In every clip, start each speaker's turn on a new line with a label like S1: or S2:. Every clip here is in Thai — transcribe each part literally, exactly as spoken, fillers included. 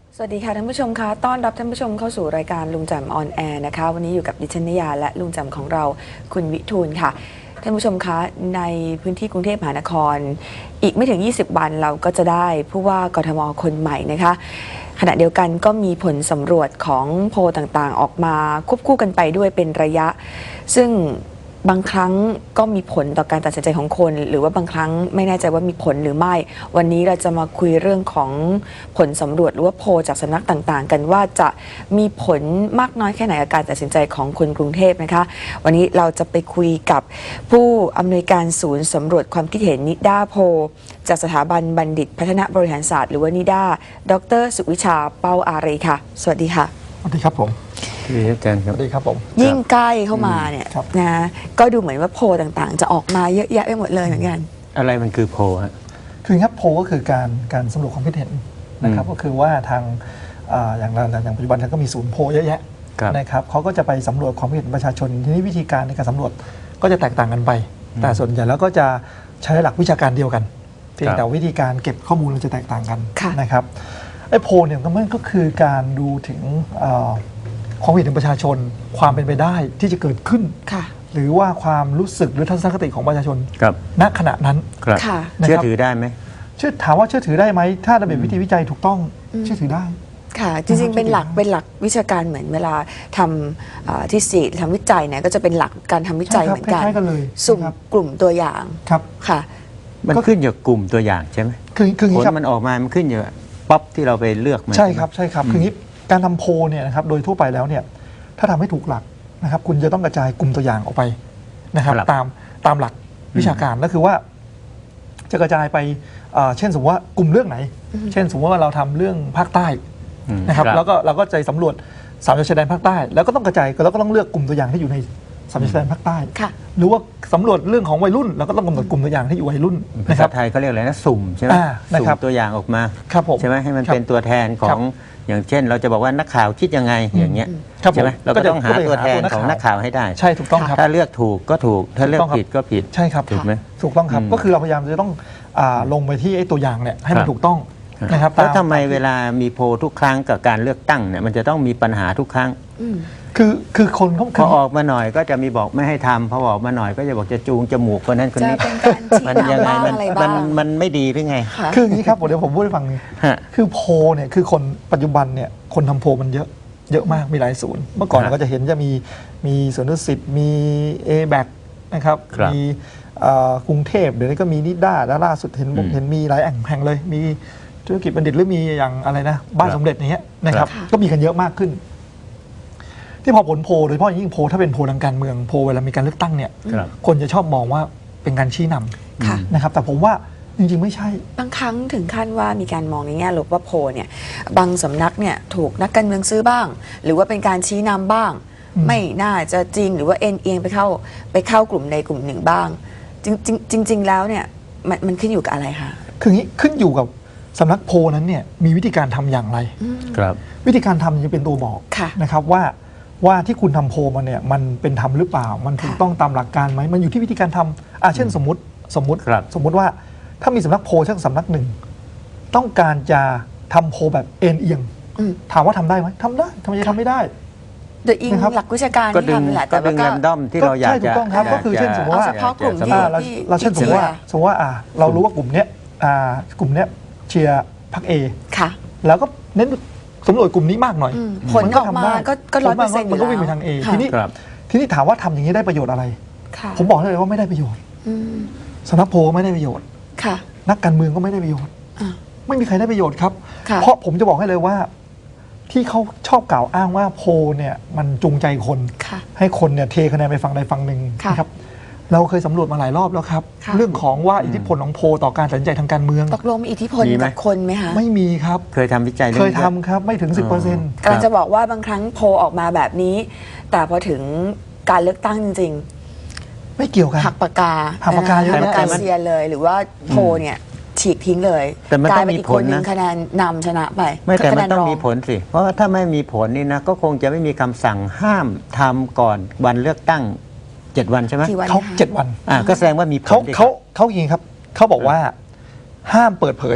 S1: สวัสดีค่ะท่านผู้ชมคะต้อนรับท่านผู้ชมเข้าสู่รายการลุงแจ่มออนแอร์นะคะวันนี้อยู่กับดิฉันนยาและลุงแจ่มของเราคุณวิทูลค่ะท่านผู้ชมคะในพื้นที่กรุงเทพมหานครอีกไม่ถึงยี่สิบวันเราก็จะได้ผู้ว่ากทมคนใหม่นะคะขณะเดียวกันก็มีผลสำรวจของโพลต่างๆออกมาควบคู่กันไปด้วยเป็นระยะซึ่งบางครั้งก็มีผลต่อการตัดสินใจของคนหรือว่าบางครั้งไม่แน่ใจว่ามีผลหรือไม่วันนี้เราจะมาคุยเรื่องของผลสำรวจหรือว่าโพลจากสำนักต่างๆกันว่าจะมีผลมากน้อยแค่ไหนกับการตัดสินใจของคนกรุงเทพนะคะวันนี้เราจะไปคุยกับผู้อำนวยการศูนย์สำรวจความคิดเห็นนิด้าโพลจากสถาบันบัณฑิตพัฒนาบริหารศาสตร์หรือว่านิด้าดร.สุวิชาเป้าอารีค่ะสวัสดีค่ะ
S2: สวัสดีครับผม
S3: สวัสดีอาจารย์ครับ
S2: สวัสดีครับผม
S1: ยิ่งใกล้เข้ามาเนี่ยนะก็ดูเหมือนว่าโพลต่างๆจะออกมาเยอะแยะไปหมดเลยเหมือนกัน
S3: อะไรมันคือโพลฮะ
S2: คือครับโพลก็คือการการสำรวจความคิดเห็นนะครับก็คือว่าทางอย่างอย่างปัจจุบันก็มีศูนย์โพลเยอะแยะนะครับเขาก็จะไปสำรวจความคิดเห็นประชาชนทีนี้วิธีการในการสำรวจก็จะแตกต่างกันไปแต่ส่วนใหญ่แล้วก็จะใช้หลักวิชาการเดียวกันเพียงแต่วิธีการเก็บข้อมูลเราจะแตกต่างกันนะครับไอ้โพลเนี่ยมันก็คือการดูถึงความเห็นของประชาชนความเป็นไปได้ที่จะเกิดขึ้นหรือว่าความรู้สึกหรือทัศนคติของประชาชนณขณะนั้น
S3: เชื่อถือได้ไหม
S2: เชื่อถามว่าเชื่อถือได้ไหมถ้าระเบียบวิธีวิจัยถูกต้องเชื่อถือได้
S1: ค่ะจริงๆเป็นหลักเป็นหลักวิชาการเหมือนเวลาทำที่สี่ทำวิจัยเนี่ยก็จะเป็นหลักการทำวิจัยเหมือนกันสุ่มกลุ่มตัวอย่าง
S2: ครับ
S1: ค่ะ
S3: มันขึ้นอยู่กลุ่มตัวอย่างใช่ไหม
S2: คือคือ
S3: ผลมันออกมามันขึ้นอยู่ป๊อปที่เราไปเลือกมา
S2: ใช่ครับใช่ครับคืองี้การทำโพลเนี่ยนะครับโดยทั่วไปแล้วเนี่ยถ้าทำให้ถูกหลักนะครับคุณจะต้องกระจายกลุ่มตัวอย่างออกไปนะครับตามตามหลักวิชาการก็คือว่าจะกระจายไปเช่นสมมติว่ากลุ่มเรื่องไหนเช่นสมมติว่าเราทำเรื่องภาคใต้นะครับแล้วก็เราก็ใจสำรวจสามจังหวัดชายแดนภาคใต้แล้วก็ต้องกระจายแล้วก็ต้องเลือกกลุ่มตัวอย่างที่อยู่ในสามจังหวัดชายแดนภาคใต้หรือว่าสำรวจเรื่องของวัยรุ่นเราก็ต้องกำหนดกลุ่มตัวอย่างที่อยู่วัยรุ่น
S3: ภาษาไทยเขาเรียกอะไรนะสุ่มใช่ไหมสุ่มตัวอย่างออกมาใช่ไหมให้มันเป็นตัวแทนของอย่างเช่นเราจะบอกว่านักข่าวคิดยังไงอย่างเงี้ยใช่ไหมเราก็ต้องหาตัวแทนของนักข่าวให้ได้
S2: ใช่ถูกต้องครับ
S3: ถ้าเลือกถูกก็ถูกถ้าเลือกผิดก็ผิด
S2: ใช่ครับ
S3: ถูกไหม
S2: ถูกต้องครับก็คือเราพยายามจะต้องลงไปที่ไอ้ตัวอย่างเนี่ยให้มันถูกต้องนะครับ
S3: แล้วทำไมเวลามีโพลทุกครั้งกับการเลือกตั้งเนี่ยมันจะต้องมีปัญหาทุกครั้ง
S2: คือคือคนเขา
S3: พอออกมาหน่อยก็จะมีบอกไม่ให้ทำพอออกมาหน่อยก็จะบอกจะจูงจมูกคนนั้นคนนี้
S1: มั
S3: นยังไงมันมันมันไม่ดีหรือไง
S2: คืออย่างนี้ครับเดี๋ยวผมพูดให้ฟังคือโพลเนี่ยคือคนปัจจุบันเนี่ยคนทำโพลมันเยอะเยอะมากมีหลายศูนย์เมื่อก่อนเราก็จะเห็นจะมีมีสวนดุสิตมี เอ แบค นะครับมีกรุงเทพเดี๋ยวนี้ก็มีนิด้าแล้วล่าสุดเห็นเห็นมีหลายแห่งเลยมีธุรกิจบัณฑิตหรือมีอย่างอะไรนะบ้านสมเด็จอย่างเงี้ยนะครับก็มีกันเยอะมากขึ้นที่พอผลโพลโดยเฉพาะยิ่งโพลถ้าเป็นโพลทางการเมืองโพลเวลามีการเลือกตั้งเนี่ยคนจะชอบมองว่าเป็นการชี้นำนะครับแต่ผมว่าจริงๆไม่ใช่
S1: บางครั้งถึงขั้นว่ามีการมองในแง่ลบว่าโพลเนี่ยบางสำนักเนี่ยถูกนักการเมืองซื้อบ้างหรือว่าเป็นการชี้นำบ้างไม่น่าจะจริงหรือว่าเอ็นเอียงไปเข้าไปเข้ากลุ่มใดกลุ่มหนึ่งบ้างจริงจริงๆแล้วเนี่ยมันมันขึ้นอยู่กับอะไรคะ
S2: คืองี้ขึ้นอยู่กับสำนักโพลนั้นเนี่ยมีวิธีการทำอย่างไร
S3: ครับ
S2: วิธีการทำจะเป็นตัวบอกนะครับว่าว่าที่คุณทำโพลมาเนี่ยมันเป็นธรรมหรือเปล่ามันถูกต้องตามหลักการไหมมันอยู่ที่วิธีการทำอ่าเช่นสมมติสมมติสมมติว่าถ้ามีสำนักโพลสักสำนักหนึ่งต้องการจะทำโพลแบบเอ็นเอียงถามว่าทำได้ไหมทำได้ทำไมจะทำไม่ได้
S1: โดยอิงหลักวิชาการ
S3: ก็ดึงก็ดึงแรมดอมที่เราอยากจะ
S2: ถูกต้องครับก็คือเช่นสมมติว่า
S1: เฉพาะกลุ่มที่
S2: เราเช่นสมมติว่าสมมติว่าเรารู้ว่ากลุ่มเนี้ยกลุ่มเนี้ยเชียร์พรรคเอแล้วก็เน้นสำรวจกลุ่มนี้มากหน่อย
S1: ผลออกมาก็ร้อยเปอร์เซ็นต์
S2: มันก็วิ่งไปทางเอทีนี้ทีนี้ถามว่าทำอย่างนี้ได้ประโยชน์อะไรผมบอกเลยว่าไม่ได้ประโยชน์สำนักโพลไม่ได้ประโยชน์นักการเมืองก็ไม่ได้ประโยชน์ไม่มีใครได้ประโยชน์ครับเพราะผมจะบอกให้เลยว่าที่เขาชอบกล่าวอ้างว่าโพลเนี่ยมันจูงใจคนให้คนเนี่ยเทคะแนนไปฝั่งใดฝั่งหนึ่งนะครับเราเคยสำรวจมาหลายรอบแล้วครับเรื่องของว่าอิทธิพลของโพลต่อการตัดสินใจทางการเมือง
S1: ตกลงมีอิทธิพลกับคนไหมคะ
S2: ไม่มีครับ
S3: เคยทำวิจัย
S2: เคยทำครับไม่ถึง สิบเปอร์เซ็นต์
S1: กำลังจะบอกว่าบางครั้งโพลออกมาแบบนี้แต่พอถึงการเลือกตั้งจริง
S2: ๆไม่เกี่ยวกัน
S1: หักปากกา
S2: หักปากกาเยอะ
S1: แยะเซียนเลยหรือว่าโพลเนี่ยฉีกทิ้งเลย
S3: แต่มันต้องมีผลนะ
S1: คะแนนนำชนะไป
S3: ไม่แต่มันต้องมีผลสิเพราะถ้าไม่มีผลนี่นะก็คงจะไม่มีคำสั่งห้ามทำก่อนวันเลือกตั้งเจ็ดวันใช่ไหม
S2: เขาเจ็ดวัน
S3: อ่าก็แสดงว่ามีผล
S2: เขาเขาเขาอย่างนี้ครับเขาบอกว่าห้ามเปิดเผย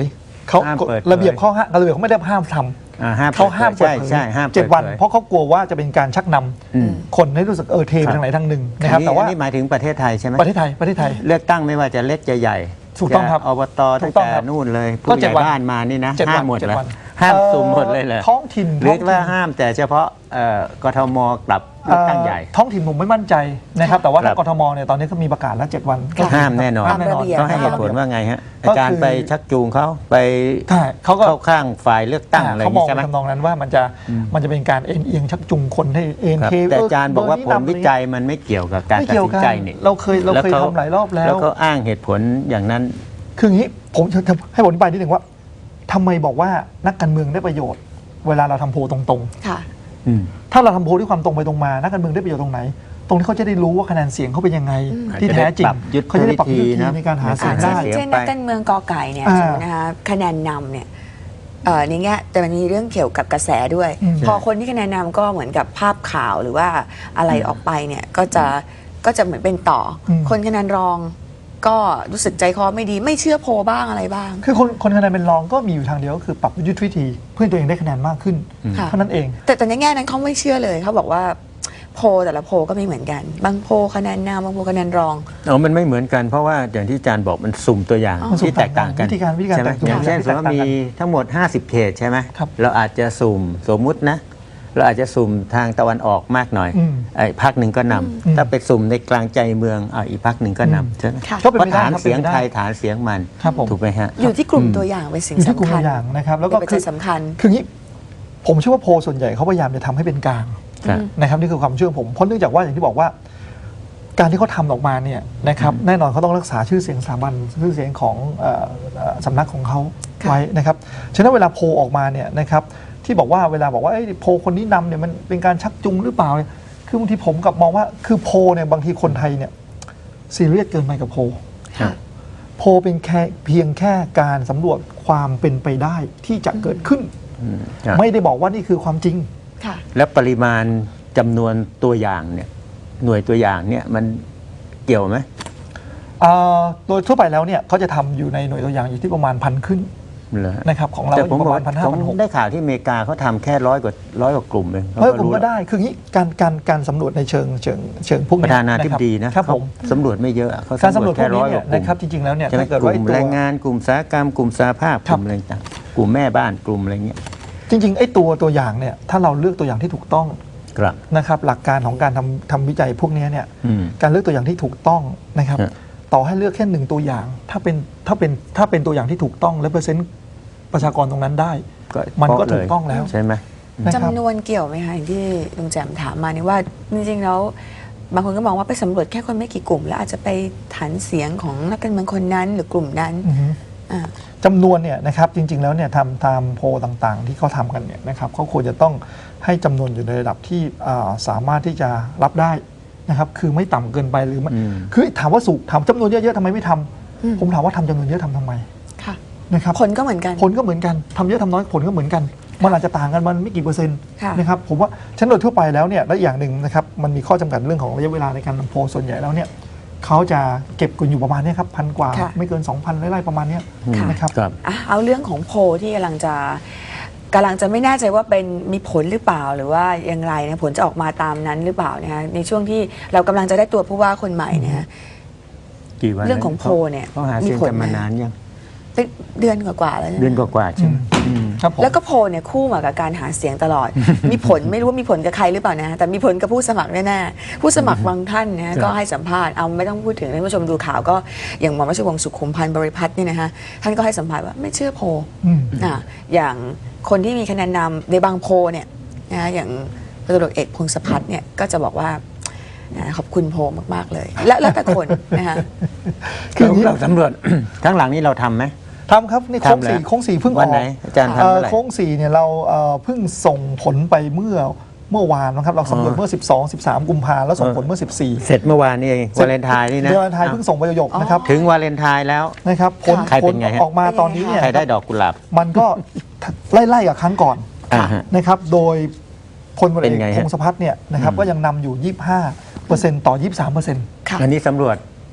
S2: เขา
S3: ห้ามเปิดเผย
S2: ระเบียบข้อห้ามระเบียบเขาไม่ได้ห้ามท
S3: อ่าห้าม
S2: ำเขาห้ามเปิด
S3: ใช่
S2: เผย
S3: ใช่ห้าม
S2: เจ็ดวัน
S3: ปิผย
S2: เพราะเขากลัวว่าจะเป็นการชักนำ
S3: อืม
S2: คนให้รู้สึกเออเทไปทางไหนทางหนึ่งนะครับ
S3: อั
S2: แต่ว่า
S3: อันนี้หมายถึงประเทศไทยใช่ไหม
S2: ประเทศไทยประเทศไทย
S3: เลือกตั้งไม่ว่าจะเล็กจะใหญ่
S2: ถูกต้องครับ
S3: จะอบต
S2: ถู
S3: ตั้ง
S2: กต้อง
S3: แต่
S2: ครับ
S3: นู่นเลย
S2: ก็
S3: ผู้ให
S2: เจ็ด
S3: ญ่
S2: วัน
S3: บ้านมานี่นะ
S2: เจ็ด
S3: ห้า
S2: วั
S3: มหมด
S2: เจ็ด
S3: เลย
S2: วัน
S3: ห้าม
S2: เอ่อ
S3: สุ่มหมดเลยเลย
S2: ท้องถิ่น
S3: หรือ
S2: ท้องถิ่น
S3: ว่าห้ามแต่เฉพาะเอ่อกทมกลับเลือกตั้งใหญ่
S2: เอ่อท้องถิ่นผมไม่มั่นใจนะครับแต่ว่า
S3: ครั
S2: ถ้า
S3: บ
S2: กทมเนี่ยตอนนี้ก็มีประกาศแล้วเจ็ดวัน
S1: ค่ะ
S3: ห้ามแน่นอน
S2: ห้ามแน่นอน
S1: ตามระเบียบ
S3: ต้องให้เหตุผลว่าไงฮะอาจาร
S2: ก็คื
S3: ย์
S2: อ
S3: ไปชักจูงเขาไป
S2: ใช่เขาก็
S3: เข้าข้างฝ่ายเลือกตั้งอะไรอ
S2: เขา
S3: ย่าง
S2: มอง
S3: นี้ใช่ไหม
S2: ในทำนองนั้นว่ามันจะมันจะเป็นการเอ็นเอียงชักจูงคนให้เอ็น
S3: ครับ
S2: เท
S3: แต่อาจารย์บอกว่าผลวิจัยมันไม่เกี่ยวกับการ
S2: ไม่
S3: ตัด
S2: เกี่ยว
S3: สิน
S2: กัน
S3: ใจนี่
S2: เราเคยเราเคย
S3: แวข
S2: ทำหลายรอบแล้ว
S3: แล้วเขาอ้างเหตุผลอย่างนั้น
S2: คืออย่างนี้ผมจะให้ผมอธิบายนิดหนึ่งว่าทำไมบอกว่านักการเมืองได้ประโยชน์ เวลาเราทำโพลตรง
S1: ค่ะ
S3: อืม
S2: ๆ ถ้าเราทำโพลด้วยความตรงไปตรงมานักการเมืองได้ประโยชน์ตรงไหน ตรงที่เขาจะได้รู้ว่าคะแนนเสียงเขาเป็นยังไง
S1: อืม
S2: ที่แท้จริง
S3: ยุทธ
S2: เขาจะได้ปรับยุทธ
S3: วิธี
S2: วิธี
S3: นะ
S2: ในการหาเสียง
S1: อ่า
S2: ได้
S1: เช่นเช่นนักการเมืองกอไก่เนี่ย
S2: อ่า
S1: สมมตินะคะคะแนนนำเนี่ยเอ่อในแง่แต่มันมีเรื่องเกี่ยวกับกระแสด้วย
S2: อืม
S1: พอคนที่คะแนนนำก็เหมือนกับภาพข่าวหรือว่าอะไรออกไปเนี่ยก็จะก็จะเหมือนเป็นต่ออ
S2: ม
S1: คนคะแนนรองก็รู้สึกใจคอไม่ดีไม่เชื่อโพลบ้างอะไรบ้าง
S2: คือคนคนคะแนนเป็นรองก็มีอยู่ทางเดียวก็คือปรับยุทธวิธีเพื่อให้ตัวเองได้คะแนนมากขึ้น
S1: ค่ะ
S2: เท่านั้นเอง
S1: แต่แต่ในแง่นั้นเขาไม่เชื่อเลยเขาบอกว่าโพลแต่ละโพลก็ไม่เหมือนกัน บางโพลคะแนนนำบางโพลคะแนนรอง
S3: เอามันไม่เหมือนกันเพราะว่าอย่างที่อาจารย์บอกมันสุ่มตัวอย่าง
S1: อ๋อ
S3: ที่แตกต่างกัน
S2: วิธีการวิธีการ
S3: ใช่ไหม
S2: แตกตัว
S3: อย่างเช่นสมมติว่ามี
S2: แตกต่างกัน
S3: ทั้งหมด ห้าสิบ เขตใช่ไหม
S2: ครับ
S3: เราอาจจะสุ่มสมมุตินะเราอาจจะสุ่มทางตะวันออกมากหน่อย
S2: อืม
S3: ไอ้พักหนึ่งก็นำ
S2: อืม
S3: ถ้าไปสุ่มในกลางใจเมืองอ่ะอีกพักหนึ่งก็
S2: อืม
S3: นำใช่ไหม
S1: ค่ะ
S2: ก็เป็น
S3: เพราะ
S2: ไปได้
S3: ฐาน
S2: ครับ
S3: เสียง
S2: เป็นไปได้
S3: ใครฐานเสียงมัน
S2: ครับผม
S3: ถูกไหมฮะ
S1: อยู่ที่กลุ่ม
S3: อืม
S1: ตัวอย่างเป็นสิ่ง
S2: อยู่ที่กลุ่ม
S1: สำคัญ
S2: ตัวอย่างนะครับแล้วก็
S1: เป็น
S2: คื
S1: ปัจ
S2: อ
S1: จัยสำคัญ
S2: คืออย่างนี้ผมเชื่อว่าโพลส่วนใหญ่เขาพยายามจะทำให้เป็นกลาง
S3: ครับ
S2: นะครับนี่คือความเชื่อผมเพราะเนื่องจากว่าอย่างที่บอกว่า การที่เขาทำออกมาเนี่ยนะครับแน่นอนเขาต้องรักษาชื่อเสียงสถาบันชื่อเสียงของเอ่อเอ่อสำนักของเขา
S1: ค่ะ
S2: ไว้นะครับฉะนั้นเวลาโพลออกมาเนี่ยนะครับที่บอกว่าเวลาบอกว่าเอ้ยโพลคนนี้นำเนี่ยมันเป็นการชักจูงหรือเปล่าเนี่ยคือบางทีผมกลับมองว่าคือโพลเนี่ยบางทีคนไทยเนี่ยซีเรียสเกินไปกับโพล
S1: ค่ะ
S2: โพลเป็นแค่เพียงแค่การสำรวจความเป็นไปได้ที่จะเกิดขึ้น
S3: อืมครับ
S2: ไม่ได้บอกว่านี่คือความจริง
S1: ค่ะ
S3: แล้วปริมาณจำนวนตัวอย่างเนี่ยหน่วยตัวอย่างเนี่ยมันเกี่ยวไหม
S2: เอ่อโดยทั่วไปแล้วเนี่ยเขาจะทำอยู่ในหน่วยตัวอย่างอยู่ที่ประมาณพันขึ้น
S3: เหรอ
S2: นะครับของเรา
S3: แต่
S2: อ
S3: ผม
S2: ยู่ป
S3: บอก
S2: ระมาณพันห้า
S3: ผม
S2: พันหก
S3: ได้ข่าวที่อเมริกาเขาทำแค่ร้อยกว่าร้อยกว่ากลุ่มเอง
S2: เฮ้ยผม
S3: รู้
S2: ก็ได้คืองี้การการการสำรวจในเชิงเชิงเชิงพวก
S3: ป
S2: นี้
S3: ระธานาธิบดีนะครับ
S2: ผม
S3: เขาสำรวจไม่เยอะเขา
S2: การสำรวจพว
S3: แค่
S2: กนี้
S3: ร้อยก
S2: เนี่ย
S3: ว่ากลุ่ม
S2: นะครับจริงๆแล้วเนี่ย
S3: ใช่ไหม
S2: ถ้าเกิด
S3: ก
S2: ว่า
S3: ลุ่ม
S2: ไอ้ตัว
S3: แรงงานกลุ่มอุตสาหกรรมกลุ่มสาภาพ
S2: ค
S3: ก
S2: รับ
S3: ลุ่มอะไรต่างกลุ่มแม่บ้านกลุ่มอะไรเงี้ย
S2: จริงๆไอ้ตัวตัวอย่างเนี่ยถ้าเราเลือกตัวอย่างที่ถูกต้อง
S3: ครับ
S2: นะครับหลักการของการทำทำวิจัยพวกนี้เนี่ย
S3: อืม
S2: การเลือกตัวอย่างที่ถูกต้องนะครับ
S3: ฮะ
S2: ต่อให้เลือกแค่หนึ่งตัวอย่าง ถ้าเป็นถ้าเป็นถ้าเป็นตัวอย่างที่ถูกต้องและเปอร์เซ็นต์ประชากรตรงนั้นได้ มันก็ถูกต้องแล้ว
S3: ใช่ไหม
S2: นะครับ
S1: จำนวนเกี่ยวไหมคะอย่างที่ลุงแจมถามมานี่ว่าจริงๆแล้วบางคนก็มองว่าไปสำรวจแค่คนไม่กี่กลุ่ม แล้วอาจจะไปฐานเสียงของนักการเมืองคนนั้นหรือกลุ่มนั้น
S2: อือฮึ
S1: อ่า
S2: จำนวนเนี่ยนะครับจริง ๆ แล้วเนี่ยทำตามโพลต่างๆ ที่เขาทำกันเนี่ยนะครับเขาควรจะต้องให้จำนวนอยู่ในระดับที่อ่าสามารถที่จะรับได้นะครับคือไม่ต่ำเกินไปหรือไม่
S3: อืม
S2: คือถามว่าสุกถามจำนวนเยอะๆทำไมไม่ทำ
S1: อืม
S2: ผมถามว่าทำจำนวนเยอะทำทำไม
S1: ค่ะ
S2: นะครับ
S1: ผลก็เหมือนกัน
S2: ผลก็เหมือนกันทำเยอะทำน้อยผลก็เหมือนกัน มันอาจจะต่างกันมันไม่กี่เปอร์เซ็นต์
S1: ค่ะ
S2: นะครับผมว่าชั้นโดยทั่วไปแล้วเนี่ยและอย่างหนึ่งนะครับมันมีข้อจำกัดเรื่องของระยะเวลาในการทำโพลส่วนใหญ่แล้วเนี่ยเขาจะเก็บกันอยู่ประมาณเนี้ยครับพันกว่า
S1: ค่ะ
S2: ไม่เกิน 2,000ไล่ๆประมาณเนี้ย
S1: ค่ะ
S2: นะครับ
S3: ครับ
S1: อ่ะเอาเรื่องของโพลที่กำลังจะกำลังจะไม่แน่ใจว่าเป็นมีผลหรือเปล่าหรือว่าอย่างไรนะผลจะออกมาตามนั้นหรือเปล่านะคะในช่วงที่เรากำลังจะได้ตัวผู้ว่าคนใหม่เนะฮะ
S3: กี่วัน
S1: เรื่องของโพลเนี่ย
S3: เขาหา
S1: มี
S3: เสียง
S1: ผล
S3: กันมา
S1: ไหม
S3: นานยัง
S1: เป็นเดือนกว่าๆแล้วใช่ไหม
S3: เดือนกว่าๆใช่ไหมอืม
S2: ครับผม
S1: แล้วก็โพลเนี่ยคู่มากับการหาเสียงตลอด มีผลไม่รู้ว่ามีผลกับใครหรือเปล่านะแต่มีผลกับผู้สมัครแน่ๆผู้สมัครบางท่านนะฮะ
S3: ครับ
S1: ก็ให้สัมภาษณ์เอาไม่ต้องพูดถึงท่านผู้ชมดูข่าวก็อย่างหมอราชวงศ์สุขุมพันธ์บริพัตรเนี่ยนะฮะท่านก็ให้สัมภาษณ์ว่าไม่เชื่อโพล
S2: อืม
S1: อ่ะอย่างคนที่มีคะแนนนำในบางโพลเนี่ยนะอย่างพลตำรวจเอกพงศพัฒน์เนี่ยก็จะบอกว่านะขอบคุณโพลมากๆเลย แล้วแล้วแต่คนนะคะ
S2: คืออย่างนี้
S3: เราสำรวจ ทั้งหลังนี้เราทำไหม
S2: ทำครับนี่โค้ง
S3: ทำแล้ว
S2: สี่โค้งสี่เพิ่งอ
S3: วั
S2: อน ก
S3: ไหนอาจารย์ทำ
S2: เอ่อ
S3: เมื่อไหร่
S2: โค้งสี่เนี่ยเราเอ่อเพิ่งส่งผลไปเมื่อเมื่อวานนะครับเราสำรวจ
S3: อ๋อ
S2: เมื่อ สิบสอง สิบสาม กุมภาแล้วส่งผลเมื่อ สิบสี่
S3: เสร็จเมื่อวานนี้เองวาเลนไทน์นี่นะ
S2: เดือนไทยเพิ่งส่งไปหยกๆนะครับ
S3: ถึงวาเลนไทน์แล้ว
S2: นะครับผล
S3: ใคร
S2: ผ
S3: เป็
S2: ล
S3: นไงฮะ
S2: ออกมาตอนนี้เนี่ย
S3: ใครได้ดอกกุหลาบ
S2: มันก็ ไล่ๆกับครั้งก่อน
S3: อ่าฮะ
S2: นะครับโดยพลตำรวจเอ
S3: เป็นไง
S2: ก
S3: ฮะ
S2: พงศพัฒน์เนี่ยนะครับ
S3: อืม
S2: ก็ยังนำอยู่ ยี่สิบห้าเปอร์เซ็นต์ ต่อ ยี่สิบสามเปอร์เซ็นต์
S1: ค่ะ
S3: อันนี้สำรวจ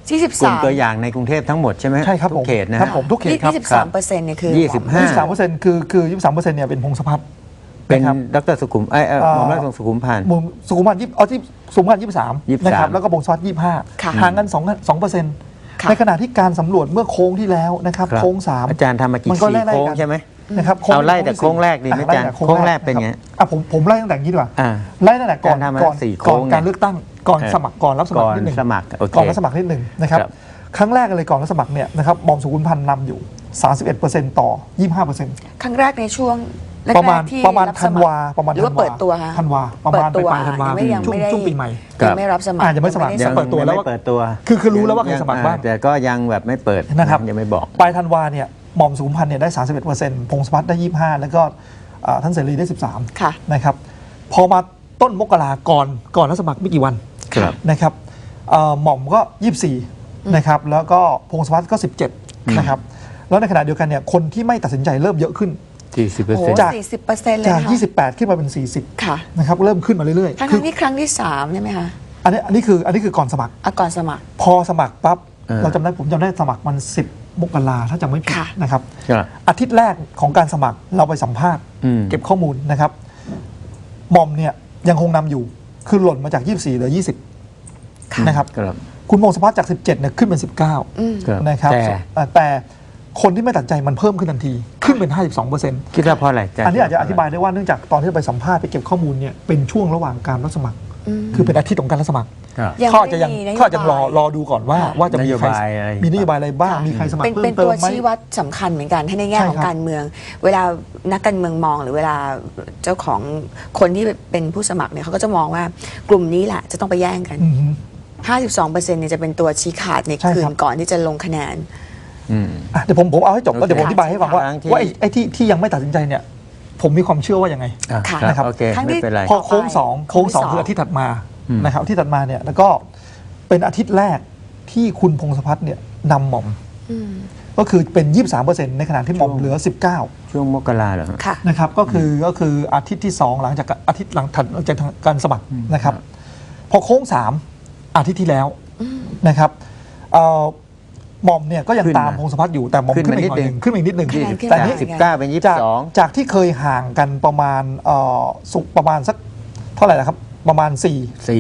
S1: ยี่สิบ
S3: กลุ่
S1: สาม ม
S3: ตัวอย่างในกรุงเทพทั้งหมดใช่ไหม
S2: ใช่ครับ
S3: ทุ
S2: ผ
S3: ก
S2: ม
S3: เขตนะครับ
S2: ผมทุกเขตครับ
S1: ยี่สิบสามเปอร์เซ็นต์เนี่ยคือ
S3: ยี่สิบห้า
S2: ยี่สิบสามเปอร์เซ็นต์คือคือยี่สิบสามเปอร์เซ็นต์เนี่ยเป็นพงศพัฒน์
S3: เป็น
S2: นะครับ
S3: ดรสุขุมไอ้ยเอ่อหม่อมราชวงศ์สุขุมพันธ์
S2: มุมสุขุมพันธ์ยี่เอาที่สุขุมพันธ์ยี่สิบสาม
S3: ยี่สิบสาม
S2: นะครับแล้วก็พงศพัฒน์ยี่สิบห้า
S1: ค่ะ
S2: ห่างกันสองสองเปอร์เซ็นต์
S1: ค่ะ
S2: ในขณะที่การสำรวจเมื่อโค้งที่แล้วนะครับ
S3: ครับ
S2: โค้งสาม
S3: อาจารย์ทำมากี่
S2: มันก็
S3: สี่
S2: ไล่ๆ
S3: โค้ง
S2: กัน
S3: ใช่ไหม
S2: นะครับ
S3: เอาไล่แต่
S2: ที่
S3: โค้งแรกดีไหม
S2: อ่ะไล่
S3: อาจารย์
S2: แต่
S3: โค้งแรกเป็นไง
S2: ะครับอ่ะผมผมไล่ตั้งแต่นี้ดีกว่า
S3: อ่า
S2: ไล่ตั้งแต่ก่อน
S3: อาจารย์ทำมา
S2: ก่อน
S3: สี่โค้
S2: ก่อง น
S3: เนี่ย
S2: การเลือกตั้งก่อน
S3: เออ
S2: สมัครก่อนรับสมัคร
S3: ก่อน
S2: นิดหนึ่ง
S3: สมัครโอเค
S2: ก่อนรับสมัครนิดหนึ่งนะครับ
S3: ครับ
S2: ครั้งแรกเลยก่อนรับสมัครเนี่ยนะครับหม่อมสุขุมพันธ์นำอยู่ สามสิบเอ็ดเปอร์เซ็นต์ ต่อ ยี่สิบห้าเปอร์เซ็นต์
S1: ครั้งแรกในช่วงแกๆ
S2: ประมาณ
S1: ที่
S2: ประมาณ
S1: บส
S2: ธัน
S1: มัคร
S2: วาประมาณ
S1: หรือว่าเปิดตัวฮะ
S2: ธันวาประมาณ
S1: เปิดตัว
S2: ปลายๆธันวา
S1: ยังไม่ยัง
S2: ช่วง
S1: ไม่ได้
S2: ช่วงปีใหม่
S1: ยังไม่รับสมัคร
S2: อ่ายังไม่สมัคร
S1: ด้
S2: จะเปิดตัวแล้ว
S3: ยังไม่เปิดตัว
S2: คือคือรู้แล้วว่าใครสมัครบ้าง
S3: แต่ก็ยังแบบไม่เปิด
S2: นะครับ
S3: ยังไม่บอก
S2: ปลายธันวาเนี่ยหม่อมสุขุมพันธ์เนี่ยได้ สามสิบเอ็ดเปอร์เซ็นต์ พงศพัฒน์ได้ ยี่สิบห้า แล้วก็อ่าท่านเสรีได้ สิบสาม
S1: ค่ะ
S2: นะครับพอมาต้นมกราก่อนก่อนรับสมัครไม่กี่วัน
S3: ครับ
S2: นะครับเอ่อหม่อมก็ ยี่สิบสี่ นะครับแล้วก็พงศพัฒน์ก็ สิบเจ็ด นะครับแล้วในขณะเดียวกันเนี่ยคนที่ไม่ตัดสินใจเริ่มเยอะขึ้น
S3: สี่สิบเปอร์
S1: โอ้
S3: เซ็นต์
S2: จาก
S1: สี่สิบเปอร์เซ็นต์เลย
S2: จาก
S1: ค่ะ
S2: ยี่สิบแปด ขึ้นมาเป็น สี่สิบ
S1: ค่ะ
S2: นะครับเริ่มขึ้นมาเรื่อย
S1: ทั้ง
S2: ๆ คื
S1: ๆที่ครั้งที่สามใช่ไหมคะ
S2: อันนี้อันนี้คืออันนี้คือก่อนสมัคร
S1: อ่ะก่อนสมัคร
S2: พอสมัครปั๊บ
S3: เออ
S2: เราจำได้ผมจำได้สมัครมันสิบมกราถ้าจำไม่ผิด
S1: ค่ะ
S2: นะครับ
S3: ครับ
S2: อาทิตย์แรกของการสมัครเราไปสัมภาษณ์
S3: อืม
S2: เก็บข้อมูลนะครับหม่อมเนี่ยยังคงนำอยู่คือหล่นมาจาก ยี่สิบสี่เหลือ ยี่สิบ
S1: ค่ะ
S2: นะครับ
S3: ครับ
S2: คุณพงศพัฒน์จาก สิบเจ็ดเนี่ยขึ้นเป็น สิบเก้า
S1: อืม
S3: ครับ
S2: นะครับ
S3: แต่
S2: อ่าแต่คนที่ไม่ตัดใจมันเพิ่มขึ้นทันที ขึ้นเป็น ห้าสิบสองเปอร์เซ็นต์
S3: คิดว่าเพราะอะไรอาจารย์
S2: อันนี้อาจจะอธิบายได้ว่าเนื่องจากตอนที่เราไปสัมภาษณ์ไปเก็บข้อมูลเนี่ยเป็นช่วงระหว่างการรับสมัคร
S1: อืม
S2: คือเป็นอาทิตย์ของการรับสมัคร
S3: ครับ
S1: ยัง
S2: เขาอาจจะยัง
S1: ไม่ได้มีนโยบาย
S2: เขาอาจจะรอรอดูก่อนว่า
S1: ค่ะ
S2: ว่าจะมี
S3: นโย
S2: ใคร
S3: บายอะไร
S2: มีนโยบายอะไรบ้าง
S1: ค่ะ
S2: มีใครสมัคร
S1: เป็น
S2: เพิ่
S1: เป็
S2: ม
S1: น
S2: เติ
S1: ตัว
S2: มไหม
S1: ชี้วัดสำคัญเหมือนกันให้ในแง่
S2: ใช่
S1: ของ
S2: ครับ
S1: การเมือง เวลานักการเมืองมองหรือเวลาเจ้าของคนที่เป็นผู้สมัครเนี่ยเขาก็จะมองว่ากลุ่มนี้แหละจะต้องไปแย่งกัน
S2: อือฮึ
S1: ห้าสิบสองเปอร์เซ็นต์เนี่ยจะเป็นตัวชี้ขาดใน
S2: ใช่
S1: คื
S2: ครั
S1: น
S2: บ
S1: ก่อนที่จะลงคะแนน
S3: อืม
S2: อ่ะเดี๋ยวผมผมเอาให้จบแล้ว
S3: โอเค
S2: เดี๋ยวผมอธิบายให้ฟังว่า
S3: ครั้งที่
S2: ว่าไอ้ไอ้ที่ที่ยังไม่ตัดสินใจเนี่ยผมมีความเชื่อว่ายังไง
S3: อ่ะ
S1: ค่ะ
S3: ครับโอเค
S1: ครั้งที่
S3: ไม่เป็นไร
S2: พอโค้งสอง
S1: โค้
S2: โค้
S1: ง
S2: ง
S1: ที่
S2: สอง
S1: สอง
S2: คืออาทิตย์ถัดมา
S3: อืม
S2: นะครับที่ถัดมาเนี่ยแล้วก็เป็นอาทิตย์แรกที่คุณพงศพัฒน์เนี่ยนำหม่อม
S1: อืม
S2: ก็คือเป็น ยี่สิบสามเปอร์เซ็นต์ ในขณะที่หม่อมเหลือ สิบเก้า
S3: ช่วงมกราเหรอฮะ
S1: ค่ะ
S2: นะครับก็คือก็คืออาทิตย์ที่สองหลังจากอาทิตย์หลังถัดจากการสมัครนะครับพอโค้งสามอาทิตย์ที่แล้วนะครับเอ่อหม่อมเนี่ยก็ยัง
S3: ขึ้นมา
S2: ตามพงศพัฒน์อยู่แต่หม่อม
S3: ขึ้น
S2: ขึ้น
S3: มา
S2: มาอีกหน่อยห
S3: นิ
S2: นึ่
S3: ด
S2: งขึ้นมาอีกนิดหนึ่ง
S1: คะแนนขึ้น
S2: แต่
S1: มา
S2: นี่
S3: สิบเก้าเป็นยี่สิ
S2: จาก
S3: บสอง
S2: จากที่เคยห่างกันประมาณเอ่อสุกประมาณสักเท่าไหร่นะครับประมาณ4
S3: สี่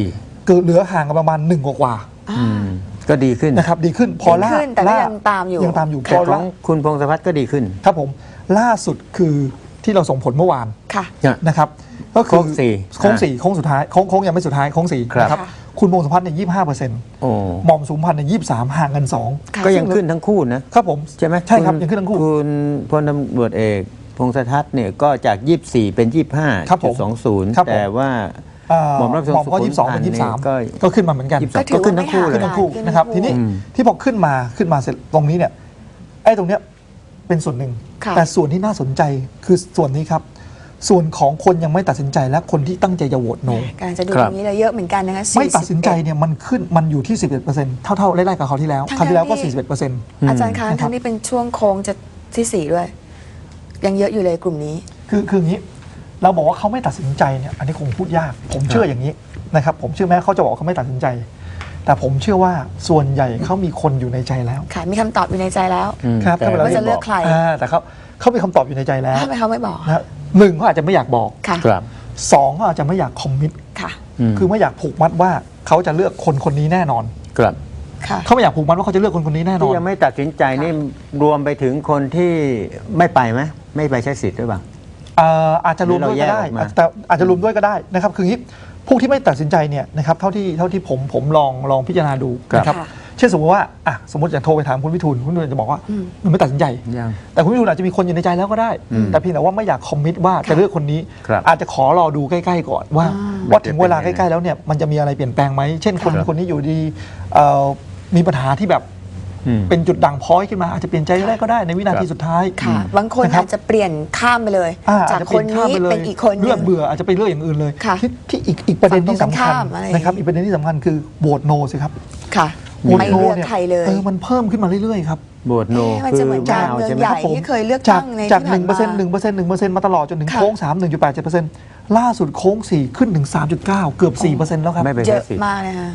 S2: คือเหลือห่างกันประมาณหนึ่งกว่า
S3: อืมก็ดีขึ้น
S2: ๆนะครับดีขึ้นพอล่า
S1: ดีขึ้นแต่ก็
S2: ล่า
S1: ยังตามอยู่
S2: ยังตามอยู่พ
S3: แต่
S2: อ
S3: ขอ
S2: ล่าง
S3: คุณพงศพัฒน์ก็ดีขึ้น
S2: ครับผมล่าสุดคือที่เราส่งผลเมื่อวาน
S1: ค่ะ
S2: นะครับก็คือ
S3: โค้งสี่
S2: โค้งสี่โค้งสุดท้ายโค้งโค้งยังไม่สุดท้ายโค้งสี่
S3: ครับ
S2: นะครับ
S1: ค่ะ
S2: คุณพงศพัฒน์เนี่ยยี่สิบห้าเปอร์เซ็นต์
S3: โอ้
S2: หม่อมสุขุมพันธ์เนี่ยยี่สิบสามห่างกันสอง
S1: ค่ะ
S3: ก็ยังขึ้นทั้งคู่นะครับ
S2: ผม
S3: ใช่ไหม
S2: ใช่ครับ
S3: ณ
S2: ยังขึ้นทั้งคู่
S3: คุณพลตำรวจเอกพงศทัศน์เนี่ยก็จาก ยี่สิบสี่ เป็น ยี่สิบห้า
S2: ครับผม
S3: จุดสองศูนย์
S2: ครับผม
S3: แต่ว่า
S2: เอ่อ
S3: หม่อมราชวงศ์
S2: หม่อมก็
S3: สุขุม
S2: ยี่สิบสอง
S3: พั
S2: เป็น น
S3: ธ์
S2: ยี่สิบสาม
S3: นี่ก็
S2: ก็ขึ้นมาเหมือนกัน
S3: ยี่สิบสอง
S1: ก็ถือ
S3: ก็ขึ้น
S1: ว่า
S3: ทั้งคู่
S1: ไม่
S3: เลย
S2: ขึ้นทั้งคู่
S1: ขึ้นทั้งคู่
S2: นะครับทีนี้
S3: อืม
S2: ที่พอขึ้นมาขึ้นมาเสร็จตรงนี้เนี่ยไอ้ตรงเนี้ยเป็นส่วนหนึ่ง
S1: ค่ะ
S2: แต่ส่วนที่น่าสนใจคือส่วนนี้ครับ ส่วนของคนยังไม่ตัดสินใจและคนที่ตั้งใจจะโหวตโน
S1: การจะดู
S3: ค
S1: ต
S3: รับ
S1: รงนี้เลยเยอะเหมือนกันนะคะ
S2: ไม่ตัดสินใจเนี่ยมันขึ้นมันอยู่ที่ สิบเอ็ดเปอร์เซ็นต์ เท่าๆไล่ๆกับเขาวที่แล้ว
S1: ทั้งๆ
S2: คราวที่แล้วก็
S1: ที่
S2: สี่สิบเอ็ดเปอร์เซ็นต์
S1: อาจารย์คะ
S2: นะครับ
S1: ทั้งนี้เป็นช่วงโค้งจะที่สี่ด้วย ยังเยอะอยู่เลยกลุ่มนี้
S2: คือคืออย่างนี้เราบอกว่าเขาไม่ตัดสินใจเนี่ยอันนี้คงพูดยาก ผมเชื่ออย่างนี้นะครับผมเชื่อแม้เขาจะบอกว่าเขาไม่ตัดสินใจ แต่ผมเชื่อว่าส่วนใหญ่เขามีคนอยู่ในใจแล้ว
S1: ค่ะ มีคำตอบอยู่ในใจแล้ว
S3: อืม
S2: ครับ
S3: แต่
S2: ถ้าเวลา
S1: ว่าจะเลือกใคร
S2: อ่าแต่เขาเขามีคำตอบอยู่ในใจแล้ว
S1: ทำไมเขาไม่บอก
S2: นะหนึ่งเขาอาจจะไม่อยากบอก
S1: ค่ะ
S3: ครับ
S2: สองเขาอาจจะไม่อยากคอมมิต
S1: ค่ะ
S3: ม
S2: คือไม่อยากผูกมัดว่าเขาจะเลือกคนคนนี้แน่นอน
S3: ครับ
S1: ค่ะ
S2: เขาไม่อยากผูกมัดว่าเขาจะเลือกคนคนนี้แน่นอ
S3: ที่
S2: น
S3: ยังไม่ตัดสินใจนี่รวมไปถึงคนที่ไม่ไปไหมไม่ไปใช้สิทธิ์หรือเปล่า
S2: เอ่ออาจจะรวมด้วยก็ได้
S3: หรือเราแยกออกมา
S2: แต่อาจจะรวมด้วยก็ได้นะครับคืออย่างนี้พวกที่ไม่ตัดสินใจเนี่ยนะครับเท่าที่เท่าที่ผมผมลองลองพิจารณาดูนะครับ
S1: ค่ะ
S2: เช่นสมมติว่าอ่ะสมมติอย่างโทรไปถามคุณวิทูลคุณวิทูลจะบอกว่า
S1: อืม
S2: มันไม่ตัดสินใจ
S3: ยัง
S2: แต่คุณวิทูลอาจจะมีคนอยู่ในใจแล้วก็ได้
S3: อืม
S2: แต่เพียงแต่ว่าไม่อยากคอมมิตว่าจะเลือกคนนี้
S3: ครับ
S2: อาจจะขอรอดูใกล้ๆก่อนว่า
S1: อ่า
S2: ว่าถึงเวลา
S3: มัน
S2: ใก
S3: จะเป็นยังไง
S2: ล้ๆแล้วเนี่ยมันจะมีอะไรเปลี่ยนแปลงไหมเช่นคน
S3: ครับ
S2: คนนี้อยู่ดีเอ่อมีปัญหาที่แบบ
S3: อืม
S2: เป็นจุดด่างพร้อยขึ้นมาอาจจะเปลี่ยนใจได้ก็ได้ในวินาที
S3: ครับ
S2: สุดท้าย
S1: ค่ะ บางคน
S2: นะครับ
S1: อาจจะเปลี่ยนข้ามไปเลย
S2: อ่
S1: จาก
S2: อจจะ
S1: คนนี้
S2: ปลี่ยข้ามไลย
S1: เป็นอีกคนห
S2: เลื
S1: นึ่
S2: อก
S1: ง
S2: เบื่ออาจจะไปเลือกอย่างอื่นเลย
S1: ค่ะ
S2: ที่ที่อีกอีกประเด็นที่สำคัญ
S1: ฝั่งตรงข้ามอะไรอย่างงี้
S2: นะครับอีกประเด็นที่สำคัญคือโหวตโนสิครับ
S1: ค่ะ
S2: โหวต
S1: ไม่
S2: โน
S1: เลือก
S2: เนี่ย
S1: ใครเลย
S2: เออมันเพิ่มขึ้นมาเรื่อยๆครับ
S3: โหวตโน
S1: เอ๊ะมัน
S3: คื
S1: จะ
S3: อ
S1: เหมือนการ
S3: ไม่เอา
S1: เมือง
S3: ใช่ไหม
S1: ใหญ่
S2: ครับผม
S1: ที่เคยเลือก
S2: จาก
S1: ตั้งใน
S2: จาก
S1: ที่
S2: หนึ่งเปอร์เซ็นต์ห
S1: ผ่า
S2: นึ่งเปอร์เซ็นต์หนึ่งเปอร์เซ็นต์มาตลอดจนถึง
S1: ค่ะ
S2: โค้งสามหนึ่งจุดแปดเจ็ดเปอร์เซ็นต์ล่าสุดโค้งสี่ขึ้นถึงสามจุดเก้าเกือบสี่เปอร์เซ็นต์แล้วครับ
S3: ไม่ไป
S1: เย
S3: ใช้
S1: อะ
S3: สิทธิ์
S1: มากนะคะ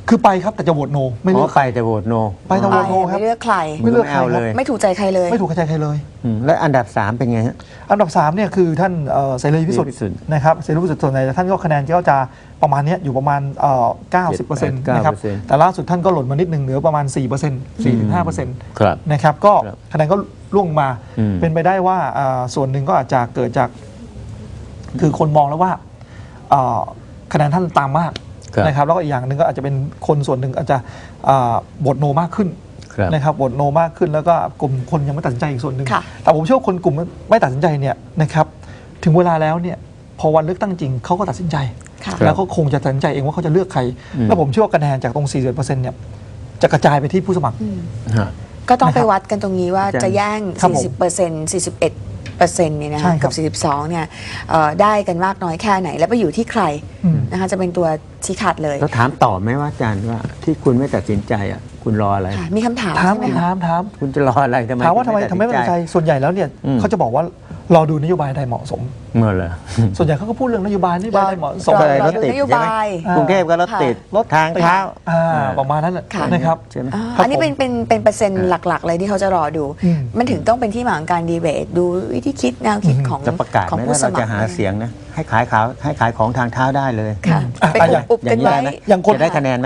S2: คือไปครับแต่จะโหวตโนไม่
S3: อ๋
S2: เลื
S3: อ
S2: อก
S3: ไปแต่โหวตโน
S2: ไปแต่โหวตโนครับ
S1: ไม่เลือกใคร
S2: ไม่เลือกใคร
S3: เอา
S2: ค
S3: เล
S2: รับ
S3: ย
S1: ไม่ถูกใจใครเลย
S2: ไม่ถูกใจใครเลย
S3: อืมแล้วอันดับสามเป็นไงฮะ
S2: อันดับสามเนี่ยคือท่านเอ่อเสรีพิสุทธิ์
S3: เสรีพิสุทธิ์
S2: นะครับเสรีพิสุทธิ์ส่วนใหญ่ท่านก็คะแนนก็จะประมาณเนี้ยอยู่ประมาณเอ่อเก้าสิบเปอร์เซ็นต์นะครับ
S3: เก้าเปอร์เซ็นต์
S2: แต่ล่าสุดท่านก็หล่นมานิดหนึ่งเหลือประมาณสี่เปอร์เซ็นต์สี่ถึงห้าเปอร์เซ็นต์
S3: ครับ
S2: นะครับก็
S3: ครับ
S2: คะแนนก็ร่วงมา
S3: อืม
S2: เป็นไปได้ว่าอ่าส่วนหนึ่งก็อาจจะเกิดจากคือคนมองแล้วว่าเอ่อคะแนนท่านตามมาก
S3: ครับ
S2: นะครับแล้วก็อีกอย่างหนึ่งก็อาจจะเป็นคนส่วนหนึ่งอาจจะอ่าโหวตโนมากขึ้น
S3: ครับ
S2: นะครับโหวตโนมากขึ้นแล้วก็กลุ่มคนยังไม่ตัดสินใจอีกส่วนหนึ่ง
S1: ค่ะ
S2: แต่ผมเชื่อว่าคนกลุ่มไม่ตัดสินใจเนี่ยนะครับถึงเวลาแล้วเนี่ยพอวันเลือกตั้งจริงเขาก็ตัดสินใจ
S1: ค่ะ
S2: แล้วเขาคงจะตัดสินใจเองว่าเขาจะเลือกใคร
S3: อืม
S2: แล้วผมเชื่อว่าคะแนนจากตรง สี่สิบเปอร์เซ็นต์ เนี่ยจะกระจายไปที่ผู้สมัคร
S3: ฮะ
S1: ก็ต้องไปวัดกันตรงนี้ว่า
S3: อาจารย์
S1: จะแย่ง
S2: ครับผม
S1: สี่สิบเปอร์เซ็นต์ สี่สิบเอ็ดเปอร์เซ็นต์เนี่ยนะ
S2: ใช่
S1: คะ
S2: ครั
S1: กับ บ สี่สิบสอง เนี่ยเอ่อได้กันมากน้อยแค่ไหน แล้วไปอยู่ที่ใคร
S2: อืม
S1: นะคะจะเป็นตัวชี้ขาดเลย
S3: แล้วถามต่อไหมว่าอาจารย์ว่าที่คุณไม่ตัดสินใจอ่ะคุณรออะไร
S1: ค่ะมีคำถาม
S2: ถาม
S1: ใช่ไหม
S2: ถา
S1: คะ
S2: มถาม
S3: คุณจะรออะไรทำไม
S2: ถามว่าทำไมทำไมไม่
S3: ตั
S2: ตัดสินใจส่วนใหญ่แล้วเนี่ย
S3: อืม
S2: เขาจะบอกว่ารอดูนโยบายใดเหมาะสม
S3: เมื่อเหรอ
S2: ส่วนใหญ่เขาก็พูดเรื่องนโยบายนโยบายใดเหมาะสม
S1: รอ
S3: อะไร
S1: ร
S3: ร
S1: อ
S3: ถ
S1: ดู
S3: ติด
S1: นโย
S3: ใช่ไหม
S1: บาย
S3: กรุงเทพก็รถติด
S2: รถ
S3: ทางเท้า
S2: อ่า
S3: เออ
S2: ประมาณนั้นน่ะ
S1: ค่ะ
S2: นะครับ
S3: ใช่ไหม
S1: อ่า
S2: ครับ
S1: อันนี้เป็น
S2: ผม
S1: เป็นเป็นเปอร์เซ็นต์หลัก ๆ เลยที่เขาจะรอดู
S2: อืม
S1: มันถึงต้องเป็นที่มาของการดีเบตดูวิธีคิดแนวคิด
S2: อืม
S1: ของ
S3: จะประกาศ
S1: ของ
S3: ไหม
S1: ผู้
S3: ว่า
S1: ส
S3: เรา
S1: มัค
S3: จะ
S1: ร
S3: หาเสียงนะให้ขายขาวให้ขายของทางเท้าได้เลย
S1: ค่ะ
S2: อ่ะ
S1: ไป
S2: อย่าง
S1: อุบ
S3: อ
S1: ๆกั
S3: ย่าน งนี้
S1: ไว้
S3: ได้ไหม
S2: อย่างคน
S3: จะได้คะแนนไหม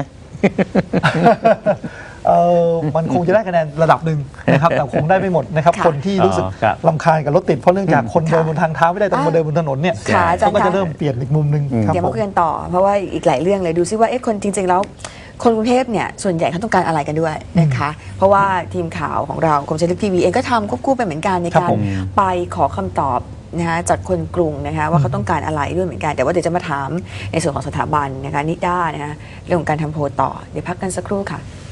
S2: เออมันคงจะได้คะแนนระดับหนึ่งนะครับ แต่คงได้ไม่หมดนะครับ
S1: ค่ะ
S2: คนที่รู้สึก
S3: อ๋อครับ
S2: ลำคาญกับรถติดเพราะเนื่องจากคนเดินบนทางเท้าไม่ได้ต้องมาเดินบนถนนเนี่ย
S1: ค่ะอาจาร
S2: เขา
S1: ย์
S2: ก็จะ
S1: คะ
S2: เริ่มเปลี่ยนอีกมุมหนึ่งครับ
S1: เดี๋ยว
S2: ผ
S1: มาม คุยกันต่อ เพราะว่าอีกหลายเรื่องเลยดูซิว่าเอ๊ะคนจริง ๆ แล้ว คนกรุงเทพเนี่ยส่วนใหญ่เขาต้องการอะไรกันด้วยนะคะ เพราะว่าทีมข่าวของเรากรมชัยลึกทีวีเองก็ทำควบคู่ไปเหมือนกันใน
S2: ครับ
S1: การ
S2: ผม
S1: ไปขอคำตอบนะคะจากคนกรุงนะคะว่าเขาต้องการอะไรด้วยเหมือนกัน แต่ว่าเดี๋ยวจะมาถามในส่วนของสถาบันนะคะนิด้านะคะเรื่องของการทำโพลต่อเดี๋ยวพักกันสักครู่ค่ะ